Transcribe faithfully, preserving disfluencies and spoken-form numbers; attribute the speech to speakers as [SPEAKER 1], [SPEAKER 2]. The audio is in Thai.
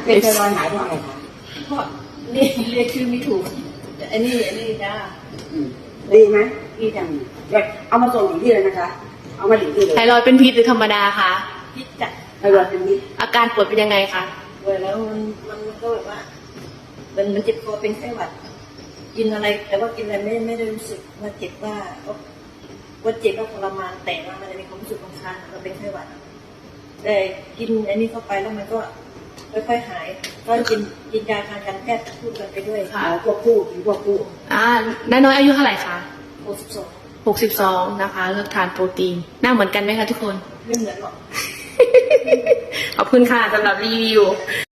[SPEAKER 1] เป็นไทรอยด์หายได้ไงคะ
[SPEAKER 2] ก็เรียกเรียกชื่อไม่ถูกอันนี้อันนี้จ้า
[SPEAKER 1] อืมดีไหม
[SPEAKER 2] พี่จัง
[SPEAKER 1] เดี๋ยวเอามาส่งถึงที่เลยนะคะ เอามาถึงที่เลย
[SPEAKER 3] ไทรอยด์เป็นพิษหรือธรรมดาคะ
[SPEAKER 2] พี่จัง
[SPEAKER 1] ไทรอยด์เป็นนิด
[SPEAKER 3] อาการปวดเป็นยังไงคะ
[SPEAKER 2] เวลาแล้วมันมันก็แบบว่ามันมันเจ็บคอเป็นไข้หวัด กินอะไร แต่ว่ากินอะไรไม่ไม่ได้รู้สึกว่าเจ็บว่าว่าเจ็บว่าทรมานแต่ว่ามันจะมีความรู้สึกบางครั้งเราเป็นไข้หวัดแต่กินอันนี้เข้าไปแล้วมันก็ค่อยๆหาย ก็กินกินยาทางการแพทย์พูดกันไปด้วย
[SPEAKER 3] ค่ะ
[SPEAKER 1] เอาควบคู่กินควบคู่
[SPEAKER 3] อ่าน้าน้อยอายุเท่าไหร่คะ
[SPEAKER 2] หกสิบสอง
[SPEAKER 3] หกสิบสองนะคะ เลือกทานโปรตีน หน้าเหมือนกันไหมคะทุกคน
[SPEAKER 2] ไม่เหมือนหรอก
[SPEAKER 3] ขอบคุณค่ะสำหรับรีวิว